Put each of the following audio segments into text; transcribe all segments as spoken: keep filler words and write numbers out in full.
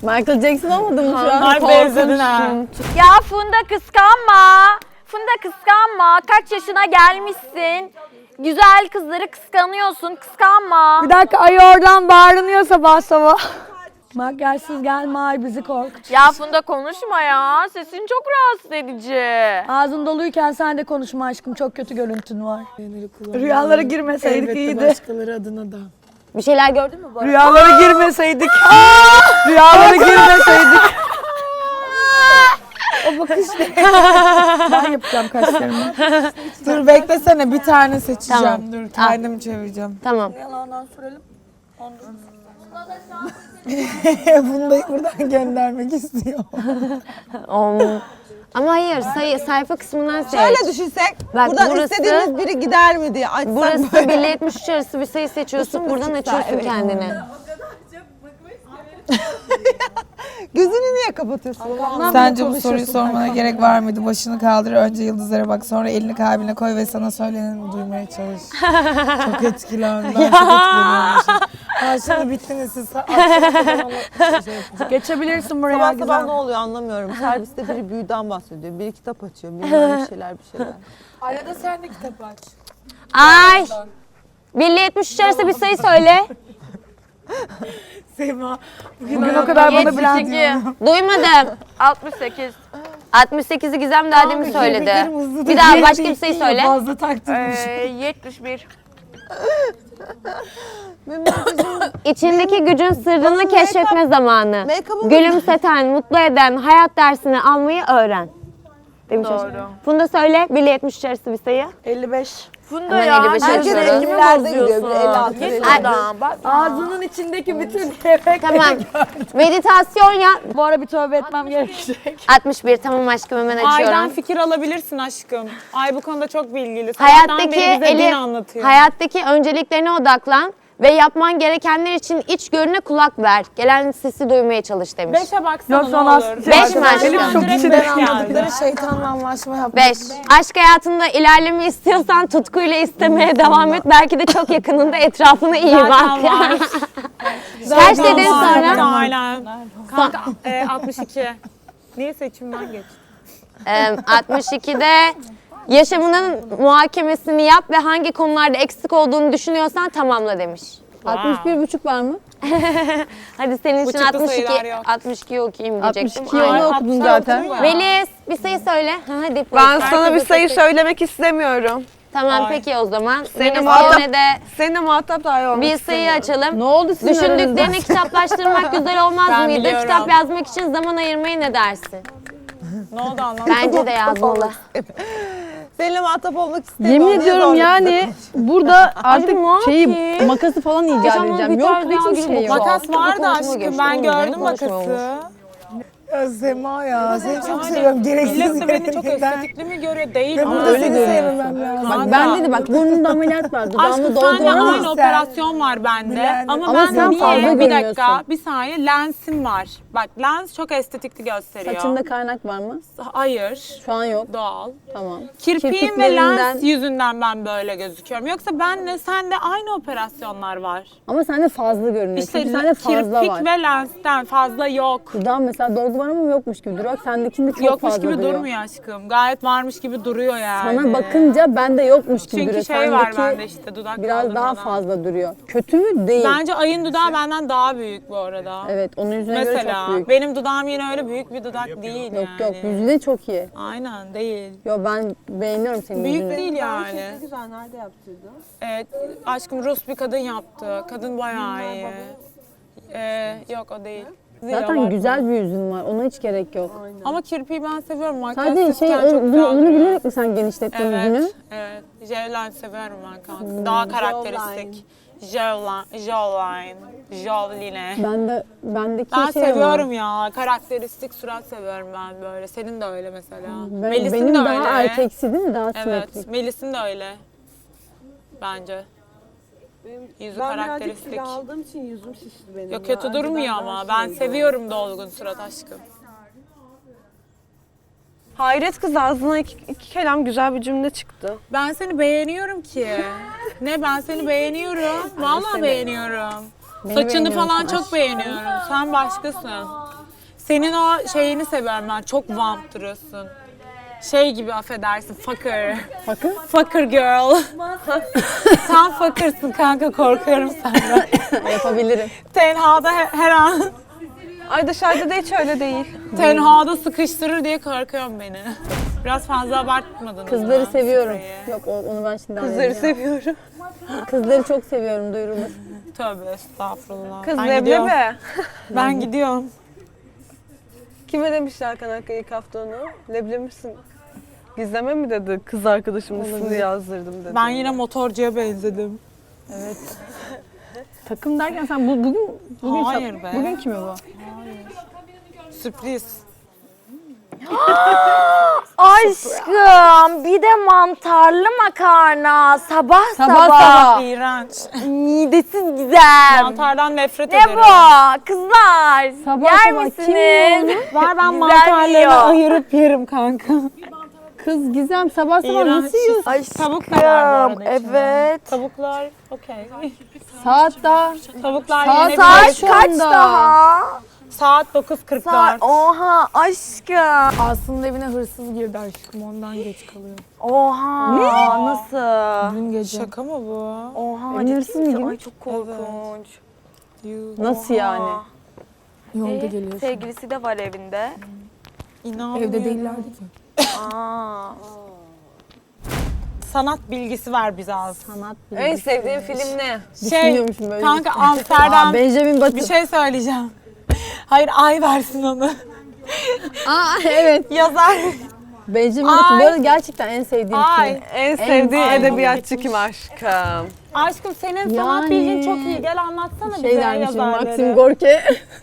Michael Jackson olmadın mı şu an? Ay benzedin ha. Ya Funda kıskanma. Funda kıskanma. Kaç yaşına gelmişsin. Güzel kızları kıskanıyorsun. Kıskanma. Bir dakika ayı oradan bağırınıyor sabah sabah. Makyajsız gelme ay bizi korkut. Ya Funda konuşma ya. Sesin çok rahatsız edici. Ağzın doluyken sen de konuşma aşkım, çok kötü görüntün var. Rüyalara girmeseydik Elbette iyiydi. başkaları adına da. Bir şeyler gördün mü bu arada? Rüyalara girmeseydik. Rüyalara girmeseydik. O bakış ne? Ben yapacağım kaşlarımı. Dur beklesene, bir tane seçeceğim. Tamam. Dur kendim çevireceğim. Tamam. Yalandan sürelim. Bunu da buradan göndermek istiyor. Um, ama hayır sayı, sayfa kısmından seç. Şöyle düşünsek, Bak, buradan burası- istediğimiz biri gider mi diye açsak Burası böyle. bir ile yetmiş üç arası bir sayı seçiyorsun. Buradan açıyorsun kendini. Gözünü niye kapatıyorsun? Sence bu soruyu sormana gerek var mıydı? Başını kaldır, önce yıldızlara bak, sonra elini kalbine koy ve sana söyleneni duymaya çalış. Çok etkilendim. Ben çok etkileniyormuşum. Ha şimdi bittiniz siz. Geçebilirsin buraya Sabah güzel. sabah ne oluyor anlamıyorum. Serviste biri büyüden bahsediyor, biri kitap açıyor, bilmem bir şeyler bir şeyler. Arada sen de kitap aç. Ay! bir ile yetmiş üç arası bir sayı söyle. Sema. Bugün o kadar bana bilen yetmiş iki. Duymadım. altmış sekiz. altmış sekizi Gizem daha demin söyledi. Bir daha başka bir sayı söyle. Fazla taktırmış. yetmiş bir. Benim makyajım, İçindeki gücün sırrını Bana keşfetme make-up- zamanı. make-up'ım- Gülümseten, mutlu eden, hayat dersini almayı öğren. Demiş Doğru. Funda söyle, bir ile yetmiş üç arası bir sayı. elli beş. Funda Hemen ya, elli beş herkes yazıyoruz. ellilerde gidiyor, bir elli altı, elli Ay, yedi. Ağzının içindeki bütün yemek. Tamam. Meditasyon ya. Bu ara bir tövbe etmem gerekecek. altmış bir tamam aşkım hemen Aydan açıyorum. fikir alabilirsin aşkım. Ay bu konuda çok bilgili. Sabahtan Hayattaki beri bize din eli, anlatıyor. hayattaki önceliklerine odaklan ve yapman gerekenler için içgörüne kulak ver. Gelen sesi duymaya çalış demiş. Beşe baksana Yok, ne sonra olur. Beş mi aşkım? Benim Çok direkt içine beş geldi. Anladıkları şeytanla anlaşma yapmak. beş. Aşk hayatında ilerleme istiyorsan tutkuyla istemeye devam et. Belki de çok yakınında etrafına iyi Zaten bak. var. Kaç dedin Var, sonra? Aynen. Kanka e, altmış iki. Niye seçimden geç? Ee, altmış ikide yaşamının muhakemesini yap ve hangi konularda eksik olduğunu düşünüyorsan tamamla demiş. altmış bir buçuk var mı? Hadi senin için Buçuklu altmış sayılar iki, yok. altmış iki okuyayım altmış diyecektim. ikiyi Ay. onu okudun zaten. Melis bir sayı söyle. Ha, hadi. Ben polis. sana bir Herkese sayı seç. söylemek istemiyorum. Tamam Ay. peki o zaman. Seni Melis muhatap- yine de Seninle muhatap dahi olmak bir sayı açalım. Ne oldu sizin Düşündüklerini aranızda? kitaplaştırmak güzel olmaz Ben mıydı? biliyorum. Kitap yazmak için zaman ayırmayı ne dersin? Ne oldu anlamadım. Bence de yazmalı. Seninle muhatap olmak istemiyorum. Yemin diye ediyorum zorladım. yani burada artık ne şeyi yapayım? makası falan icat Yaşamın edeceğim. bir Yok tarz hiçbir yağ şey gibi yok. bu. Makas vardı Konuşma aşkım. geçti, Ben onu gördüm konuşma olmuş. makası. Ya Sema ya, seni çok seviyorum. Gereksiz Millet de beni çok gerekirden. estetikli mi görüyor? Değil Ve mi? burada seni sevmem lazım. Bak ben dedi bak burnunda ameliyat var. Dudağımı Aşkım senle dolduramam. aynı operasyon var bende. Bilen- Ama, Ama ben sen niye? fazla Bir dakika, görünüyorsun. bir saniye lensim var. Bak lens çok estetikli gösteriyor. Saçında kaynak var mı? Hayır. Şu an yok. Doğal. Tamam. Kirpiğim ve lens Kirpiklerinden- yüzünden ben böyle gözüküyorum. Yoksa benle sende aynı operasyonlar var. Ama sende fazla görünüyor. İşte Çünkü sende fazla kirpik var. ve lensten fazla yok. Dudağın mesela dolgu var ama yokmuş gibi duruyor. Bak sendekinde çok Yokmuş fazla gibi duruyor. durmuyor aşkım. Gayet varmış gibi duruyor yani. Sana bakınca bende yokmuş gibi Çünkü duruyor. şey var Sendeki bende işte dudak biraz daha kaldırmadan. fazla duruyor. Kötü mü? Değil. Bence ayın dudağı benden daha büyük bu arada. Evet onun yüzüne göre çok Mesela büyük. benim dudağım yine öyle büyük bir dudak değil Yok yani. yok yüzüne çok iyi. Aynen değil. Yo ben beğeniyorum senin Büyük yüzünü. değil yani. Güzel, nerede yaptırdın? Evet, aşkım Rus bir kadın yaptı. Kadın bayağı iyi. Ee, yok o değil. Değil, Zaten abartma. güzel bir yüzün var. Ona hiç gerek yok. Ama kirpiği ben seviyorum. Sadece Makyajsızken şey çok o, güzel bunu, bunu duruyor. bilerek mi sen genişlettin yüzünü? Evet, evet. Jawline seviyorum ben kanka. Daha karakteristik. Jawline, jawline, jawline. Ben de bendeki Ben şey seviyorum var. ya. Karakteristik surat seviyorum ben böyle. Senin de öyle mesela. Ben, Melis'in benim de daha öyle. erkeksi değil mi? Daha Evet, simetrik. Melis'in de öyle. Bence. Yüzü Ben birazcık karakteristik. kilo aldığım için yüzüm şişti benim. Yok kötü ya. durmuyor Önceden ama. daha Ben şeydi. seviyorum dolgun surat aşkım. Hayret kız ağzına iki, iki kelam güzel bir cümle çıktı. Ben seni beğeniyorum ki. Ne ben seni beğeniyorum. Vallahi beğeniyorum. Beni Saçını beğeniyorsun falan çok aşkım. beğeniyorum. Sen başkasın. Senin o şeyini seviyorum ben. Çok vamp duruyorsun. Şey gibi affedersin. Fucker. Fucker? Fucker girl. Sen fuckersın kanka, korkuyorum senden. Yapabilirim. Tenhada her, her an Ay dışarıda da hiç öyle değil. tenhada sıkıştırır diye korkuyorum beni. Biraz fazla abartmadınız Kızları mı seviyorum. spreyi? Yok o- onu ben şimdi Kızları anlayacağım. seviyorum. Kızları çok seviyorum, duyurulur. Tövbe estağfurullah. Kız ben gidiyorum. leblebi. Ben gidiyorum. Kime demişler Hakan Hakkı ilk hafta onu? Leblebi misin? Gizleme mi dedi? Kız arkadaşımın ismini yazdırdım dedi. Ben yine motorcuya benzedim. Takım derken sen bu, bugün bugün Hayır be. Bugün kimi bu? Sürpriz. Aşkım bir de mantarlı makarna sabah sabah. Sabah sabah. İğrenç. Midesiz güzel. Mantardan nefret Ne ederim. bu? Kızlar Sabah yer sabah misiniz? kim yiyor Var ben Güzel mantarlarını yiyor. ayırıp yerim kanka. Kız Gizem sabah sabah İğrenç. nasıl yiyorsun? Tavuk da var bu arada içinde. Evet. Tavuklar okey. Saat daha. Tavuklar Saat- yenebilir. Saat şu kaç anda. daha? Saat dokuz kırk Saat, dört. oha aşkım. Aslında evine hırsız girdi aşkım, ondan geç kalıyor. Oha nasıl? Dün gece. Şaka mı bu? Oha Evin ciddi hırsız mı misin? gibi? Ay çok korkunç. Yuh, Nasıl yani? Yolda Ee, geliyor. şimdi. sevgilisi de var evinde. İnanmıyorum. Evde değillerdi ki. Aa. Sanat bilgisi ver bize az. Sanat En bilgisi. sevdiğin film ne? Şey, Düşünüyormuşum böyle. kanka Aa, Amsterdam Benjamin Button. bir şey söyleyeceğim. Hayır, ay versin onu. Aa evet. Yazar. Benjamin Button. Bu Ay. arada gerçekten en sevdiğim Ay. film. En sevdiğin Ay, edebiyatçı kim aşkım? Aşkım senin sanat Yani- bilgin çok iyi. Gel anlatsana Şey bize dermişim yazarları. Maxim Gorki.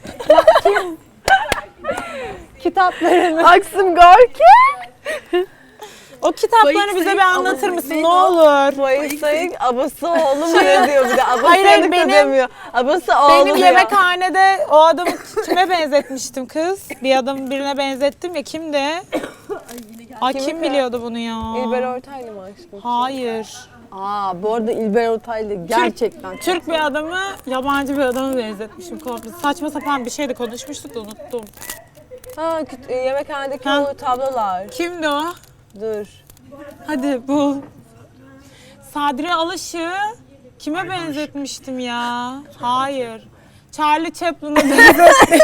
Kitaplarını. Maxim Gorki. O kitaplarını bize bir anlatır mısın? Ne olur. Mayısay'ın abası oğlu mu ne diyor bir de? Abası Hayır, yanık benim- da demiyor. Abası oğlu Benim diyor. yemekhanede o adamı kime benzetmiştim kız? Bir adamı birine benzettim ya, kimdi? Ay kim biliyordu bunu ya? İlber Ortaylı mı aşkım? Hayır. Aa bu arada İlber Ortaylı gerçekten. Türk bir adamı yabancı bir adama benzetmişim komple. Saçma sapan bir şeydi konuşmuştuk da unuttum. Ha küt- e, yemekhanedeki Ha. o tablolar. Kimdi o? Dur. Hadi bul. Sadri Alış'ı kime benzetmiştim ya? Hayır. Charlie Chaplin'e benzetmiştim.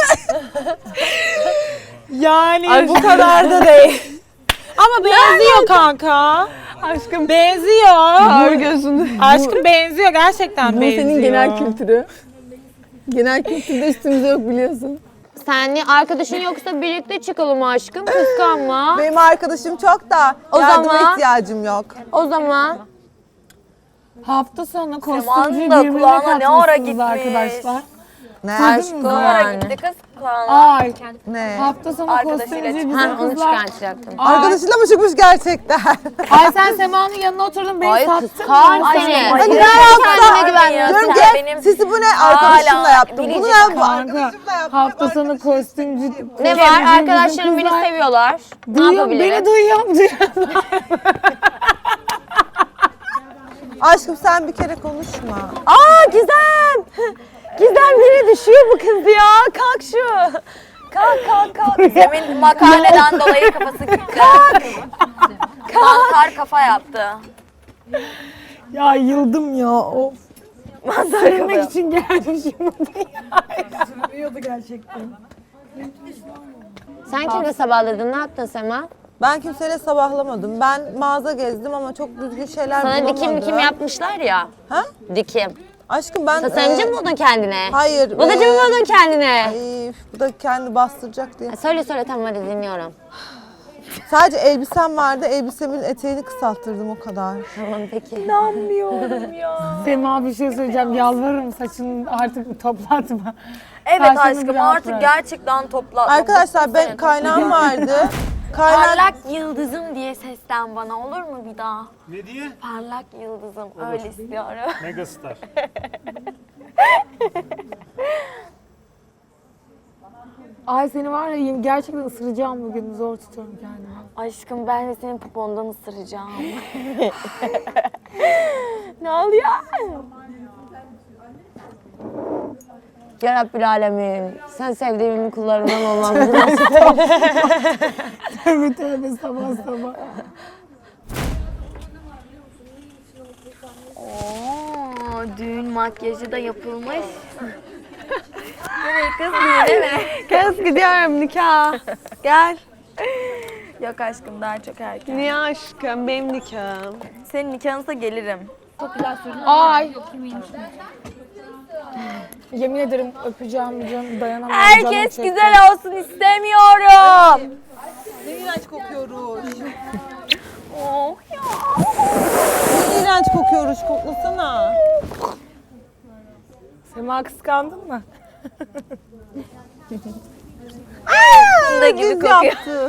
Yani bu kadar da değil. Ama benziyor kanka. Aşkım Benziyor. Kör gözünü. Aşkım benziyor, gerçekten Bu benziyor. senin genel kültürü. Genel kültürde üstümüze yok biliyorsun. Sen arkadaşın yoksa birlikte çıkalım aşkım. Kıskanma. Benim arkadaşım çok da O yardıma zaman- ihtiyacım yok. O zaman Hafta sonu kostümcü Semanın da birbirine kulağına ne ara katmışsınız gitmiş. arkadaşlar. Ne? aşkım yani? ara gitti kız kulağına. Ay, Ne? hafta sonu Arkadaşıyla kostümcü çıktı. bizim Ha, onu kızlar. çıkartacaktım. Arkadaşıyla mı çıkmış gerçekten? Ay sen Sema'nın yanına oturdun beni Ay sattın. kıskan mı? seni. Hani Ay, ne kendine güvenmiyorsun. Diyorum Sen ki benim sizi bu ne arkadaşımla hala yaptım. Bunu biricik ne bu Kanka, arkadaşımla yaptım. hafta sonu kostümcü. ne var? Arkadaşlarım beni seviyorlar. Ne Duyuyorum, yapabilirim? beni duyuyorum, duyuyorum. Aşkım sen bir kere konuşma. Aa Gizem! Gizem yere düşüyor bu kız ya. Kalk şu. Kalk kalk kalk. Gizem'in makarneden dolayı kafası gitti. Kalk. Mantar kafa yaptı. Ya yıldım ya, of. Mantar Sevmek kafa. için gelmişim buraya. Sürüyordu gerçekten. Sen kimle sabahladın? Ne yaptın Sema? Ben kimseyle sabahlamadım. Ben mağaza gezdim ama çok düzgün şeyler Sana bulamadım. dikim dikim yapmışlar ya. Ha? Dikim. Aşkım ben... Tasarımcı e, mı buldun kendine? Hayır. Modacı e, mı buldun kendine? Ay, bu da kendi bastıracak diye. Söyle söyle tamam hadi dinliyorum. Sadece elbisem vardı. Elbisemin eteğini kısalttırdım o kadar. Tamam peki. Sema bir şey söyleyeceğim, yalvarırım saçını artık toplatma. Evet Saçını aşkım biraz artık bırak. gerçekten topla. Arkadaşlar ben kaynağım vardı. Kaynak... Parlak yıldızım diye seslen bana olur mu bir daha? Ne diye? Parlak yıldızım öyle istiyorum. Megastar. Ay seni var ya gerçekten ısıracağım bugün, zor tutuyorum kendimi. Aşkım ben de senin popondan ısıracağım. ne oluyor? Ya Rabbil Alemin. Sen sevdiğimin kullarından olan Tövbe tövbe sabah sabah. Oo, düğün makyajı da yapılmış. Nereye kız düğüne mi? Kız gidiyorum nikah. Gel. Yok aşkım daha çok erken. Niye aşkım? Benim nikahım. Senin nikahınıza gelirim. Ay. Yemin ederim öpeceğim canım dayanamam. canım Herkes çekti. güzel olsun istemiyorum. Ne iğrenç kokuyoruz. Oh ya. Ne iğrenç kokuyoruz. Koklasana. Sema kıskandın mı? Funda gibi kokuyor. Yaptı.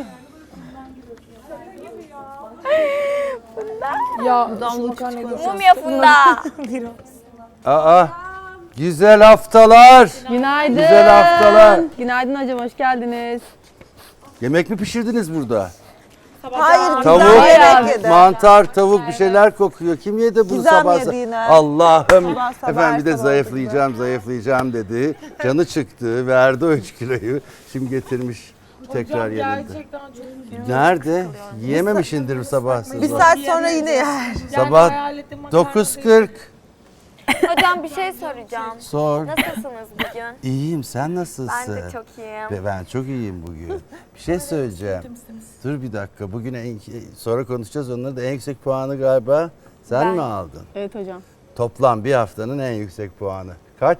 Ya şu makarnayı Mum ya Funda. biraz. Aa, güzel haftalar. Günaydın. Güzel haftalar. Günaydın hocam, hoş geldiniz. Yemek mi pişirdiniz burada? Hayır, Tavuk, güzel yemek yedi. mantar, tavuk bir şeyler kokuyor. Kim yedi bunu Güzel sabah? mi yedi yine? Allah'ım. Sabah sabah, Efendim bir de sabah zayıflayacağım, zayıflayacağım dedi. Canı çıktı, verdi o üç kiloyu. Şimdi getirmiş tekrar yerinde. Gerçekten çok Nerede? Yiyememişindir sabah Bir sabah. saat sonra yine yer. Sabah dokuz kırk. Hocam bir şey soracağım. Sor. Nasılsınız bugün? İyiyim, sen nasılsın? Ben de çok iyiyim. Ve ben çok iyiyim bugün. Bir şey söyleyeceğim. Dur bir dakika. Bugün en, sonra konuşacağız. Onları da en yüksek puanı galiba sen mi aldın? Evet hocam. Toplam bir haftanın en yüksek puanı. Kaç?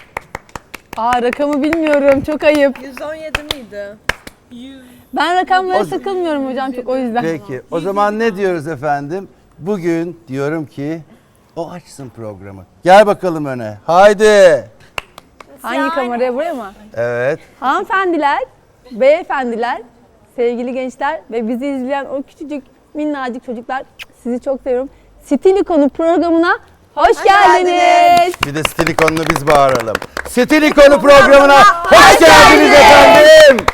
Aa rakamı bilmiyorum, çok ayıp. yüz on yedi miydi? Ben rakamlara O- takılmıyorum hocam çok, o yüzden. Peki. O zaman ne diyoruz efendim? Bugün diyorum ki o açsın programı. Gel bakalım öne. Haydi. Hangi kameraya, buraya mı? Evet. Hanımefendiler, beyefendiler, sevgili gençler ve bizi izleyen o küçücük minnacık çocuklar, sizi çok seviyorum. Stilikonu programına hoş, geldiniz. Bir de Stilikon'u biz bağıralım. Stilikonu programına hoş geldiniz efendim.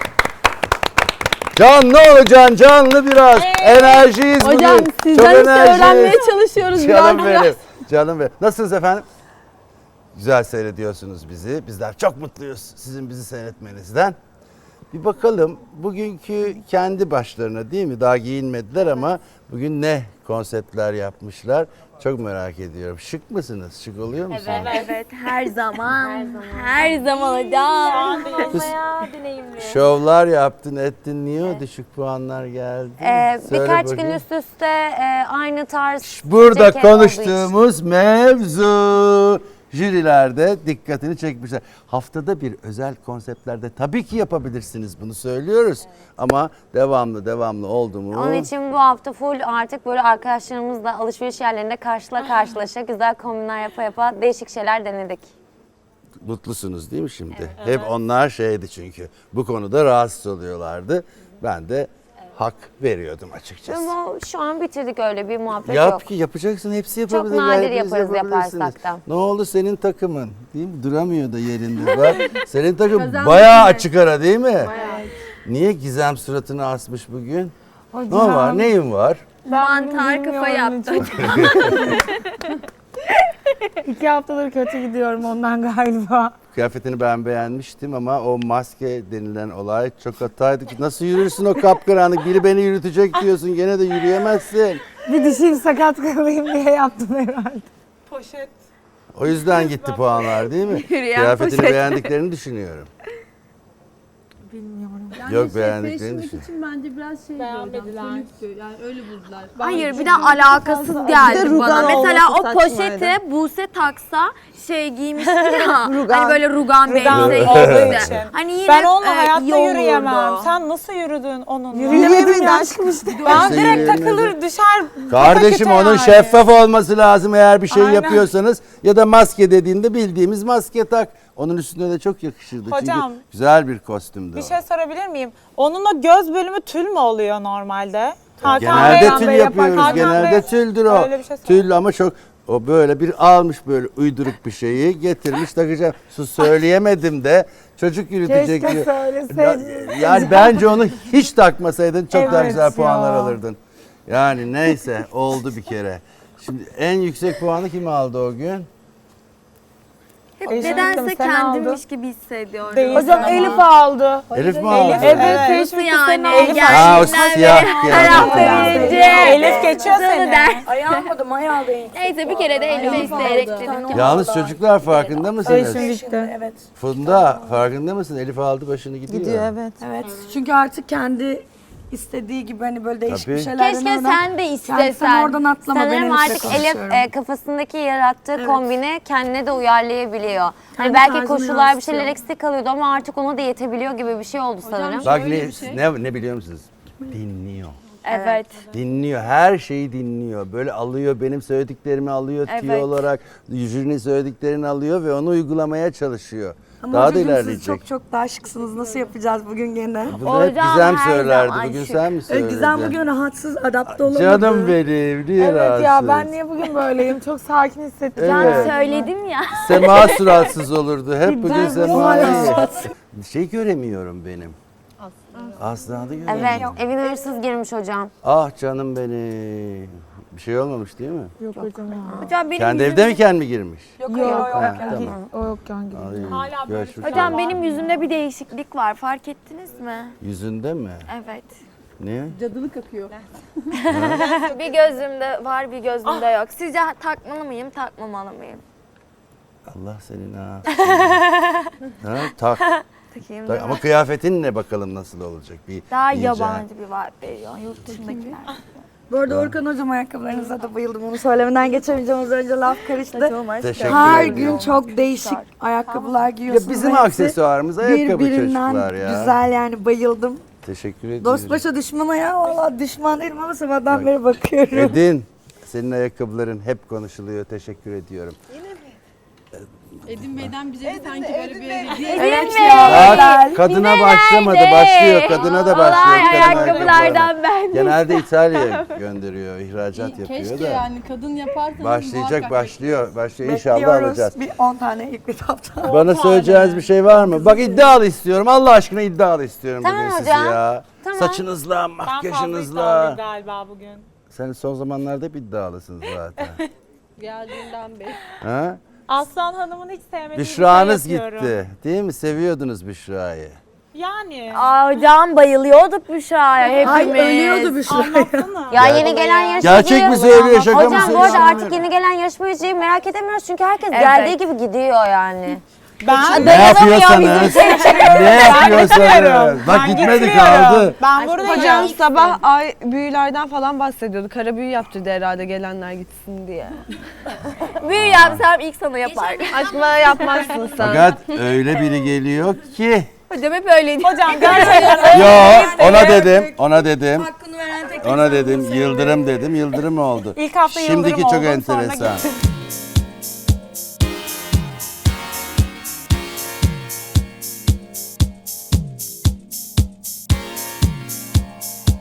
Canlı olacaksın, canlı biraz. Enerjiyiz bugün. Hocam Çok sizden işte enerjiyiz. öğrenmeye çalışıyoruz Canım biraz benim, biraz. canım benim. Nasılsınız efendim? Güzel seyrediyorsunuz bizi. Bizler çok mutluyuz sizin bizi seyretmenizden. Bir bakalım bugünkü kendi başlarına değil mi? Daha giyinmediler ama bugün ne konseptler yapmışlar? Çok merak ediyorum. Şık mısınız? Şık oluyor musunuz? Evet, evet her zaman. Her zaman hocam. Kız, deneyimli. şovlar yaptın, ettin. Niye o düşük puanlar geldi? Ee, Söyle birkaç gün bakayım. üst üste e, aynı tarz Burada ceket olduğu konuştuğumuz mevzu jürilerde dikkatini çekmişler. Haftada bir özel konseptlerde tabii ki yapabilirsiniz, bunu söylüyoruz. Ama devamlı devamlı oldu mu? Onun için bu hafta full artık böyle arkadaşlarımızla alışveriş yerlerinde karşıla karşılaşa güzel kombinler yapa yapa değişik şeyler denedik. Mutlusunuz değil mi şimdi? Hep onlar şeydi çünkü. Bu konuda rahatsız oluyorlardı. Ben de hak veriyordum açıkçası. Ama şu an bitirdik, öyle bir muhabbet Yap yok. ki yapacaksın, hepsi yapabilir. nadir hepiniz yaparız, yapabilirsiniz. yaparsak da. Ne oldu senin takımın? Değil mi? Duramıyor da yerinde bak. Senin takım bayağı açık ara değil mi? Niye Gizem suratını asmış bugün? Ne var? Neyin var? Mantar kafa yaptı. İki haftadır kötü gidiyorum ondan galiba. Kıyafetini ben beğenmiştim ama o maske denilen olay çok hataydı. Nasıl yürürsün o kapkaranlık? Biri beni yürütecek diyorsun, gene de yürüyemezsin. Bir dişim sakat kalayım diye yaptım herhalde. Poşet. O yüzden gitti puanlar değil mi? Kıyafetini beğendiklerini düşünüyorum. Bilmiyorum. Yok beğendiklerini düşünüyorum. için bence biraz şey Beğenmediler. yani öyle buldular. Hayır, bir de alakasız geldi rugan bana. Mesela o olması poşeti saçmaydı. Buse taksa şey giymişti ya. Rugan. Hani böyle rugan bir Rugan elbise olduğu giymişti. için. Hani yine Ben onunla e, hayatta iyi olurdu. yürüyemem. Sen nasıl yürüdün onunla? Yürüyemedim aşkım işte. Ben İşte direkt yürüyemedi. takılır düşer. Kardeşim pataküte onun yani. şeffaf olması lazım eğer bir şey Aynen. yapıyorsanız. Ya da maske dediğinde bildiğimiz maske tak. Onun üstüne de çok yakışırdı. Hocam, Çünkü güzel bir kostümdü Bir o. şey sorabilir miyim? Onunla göz bölümü tül mü oluyor normalde? Hakan Genelde Bey- tül Bey yapıyoruz. yapar. Hakan Genelde Bey- tüldür o. Öyle bir şey söyle. Tül ama çok o böyle bir almış böyle uyduruk bir şeyi getirmiş takacağım. Sus söyleyemedim de çocuk yürütecek Keşke diyor. söyleseydin. Yani bence onu hiç takmasaydın çok daha Evet güzel puanlar ya. alırdın. Yani neyse oldu bir kere. Şimdi en yüksek puanı kim aldı o gün? Hep Eşim nedense sen kendimmiş aldın. gibi hissediyorum. Değil. Hocam Elif aldı. Elif mi aldı? Evet, Nasıl teşvik yani? Ha o Geldiğinden siyah beri her hafta kıyafet. birinci. Elif geçiyor seni. Ayı almadım, ayı aldı. Neyse bir kere de Elif'e isteyerek dedim ki. Yalnız çocuklar farkında mısınız? Evet. Funda farkında mısın? Elif aldı başını gidiyor. Gidiyor evet. Evet. Çünkü artık kendi istediği gibi hani böyle değişik Tabii. bir şeylerden Keşke oradan- sen de Yani istesen. sen oradan atlama, ben Sanırım Elif'le artık Elif konuşuyorum. e, kafasındaki yarattığı kombini kendine de uyarlayabiliyor. Hani Kendi belki tarzını koşullar bir yansıtıyor. şeyler eksik kalıyordu ama artık ona da yetebiliyor gibi bir şey oldu sanırım. Bak ne, ne, ne biliyor musunuz? Dinliyor. Evet. Dinliyor. Her şeyi dinliyor. Böyle alıyor, benim söylediklerimi alıyor, tüyo Evet. olarak jürinin söylediklerini alıyor ve onu uygulamaya çalışıyor. Ama Daha da hocam ilerleyecek. siz çok çok daha şıksınız. Nasıl yapacağız bugün gene? Bunu hep Hocam Gizem her söylerdi. zaman Bugün şık. sen mi Ee, söyledin? Gizem bugün rahatsız, adapte olamadı. Canım benim, niye Evet rahatsız? ya ben niye bugün böyleyim? Çok sakin hissettim. Evet. Söyledim ya. Sema suratsız olurdu. Hep bugün Sema hala iyi. Şey göremiyorum benim. Aslanı göremiyorum. Evet, evine hırsız girmiş hocam. Ah canım benim. Bir şey olmamış değil mi? Yok hocam ya. Hocam benim Kendi yüzüm- evde mi kendi mi girmiş? Yok Ha, tamam. O yokken gibi. Ay, Hala böyle görüşürüz. Hocam benim yüzümde bir değişiklik var. Fark ettiniz mi? Yüzünde mi? Evet. Ne? Cadılık akıyor. Bir gözümde var, bir gözümde yok. Sizce takmalı mıyım, takmamalı mıyım? Allah senin ha. ha tak. Takayım tak. değil mi? Ama kıyafetin ne bakalım nasıl olacak? Bir Daha iyice. yabancı bir vibe veriyor yurt dışındakiler. Bu arada Orkan hocam ayakkabılarınıza da bayıldım. Onu söylemeden geçemeyeceğim. Az önce laf karıştı. Teşekkür Her ederim. gün çok değişik ayakkabılar Ya giyiyorsunuz. bizim Hepsi aksesuarımız ayakkabı birbirinden çocuklar ya. güzel yani bayıldım. Teşekkür ederim. Dost başa düşmana ya valla düşman değilim ama sabahdan beri bakıyorum. Edin. Senin ayakkabıların hep konuşuluyor. Teşekkür ediyorum. Edim Bey'den bize de sanki böyle bir hediye. Evet Bak, kadına başlamadı. Başlıyor. Kadına da başlıyor. Olay kadın ayakkabılardan ben. Genelde İtalya'ya gönderiyor. ihracat yapıyor Keşke da. yani kadın yaparsanız Başlayacak, muhakkak başlıyor. Başlıyor. İnşallah Bekliyoruz. alacağız. Bir on tane ilk etapta. Bana söyleyeceğiniz bir şey var mı? Bak iddialı istiyorum. Allah aşkına iddialı istiyorum Tamam bugün sizi hocam. ya. Tamam. Saçınızla, Ben fazla makyajınızla. iddialıyım galiba bugün. Sen son zamanlarda hep iddialısın zaten. geldiğinden beri. ha? Aslan Hanım'ın hiç sevmediği bir Büşra'nız şey yapıyorum. gitti. Değil mi? Seviyordunuz Büşra'yı. Yani. Aa hocam bayılıyorduk Büşra'ya hepimiz. Ay ölüyordu bir şey. Anlatsana. Ya yeni gelen yarışmacıyı... Gerçek mi söylüyor, şaka mı Hocam bu söylüyor? arada artık yeni gelen yarışmacıyı merak edemiyoruz çünkü herkes geldiği gibi gidiyor yani. Ben Ne yapıyorsanız, ne yapıyorsanız. Bak Ben gitmedi gitmiyorum. kaldı. Ben buradayım. Hocam sabah ay büyülerden falan bahsediyordu. Kara büyü yaptırdı herhalde gelenler gitsin diye. Büyü yapsam ilk sana yapar. Aşkım bana yapmazsın sen. Fakat öyle biri geliyor ki. Hocam hep öyleydi. Hocam gerçekten Yo ona dedim, ona dedim. Hakkını veren tek Ona dedim, Yıldırım dedim, Yıldırım oldu. İlk hafta Şimdiki Yıldırım çok oldum, sonra enteresan. gittim.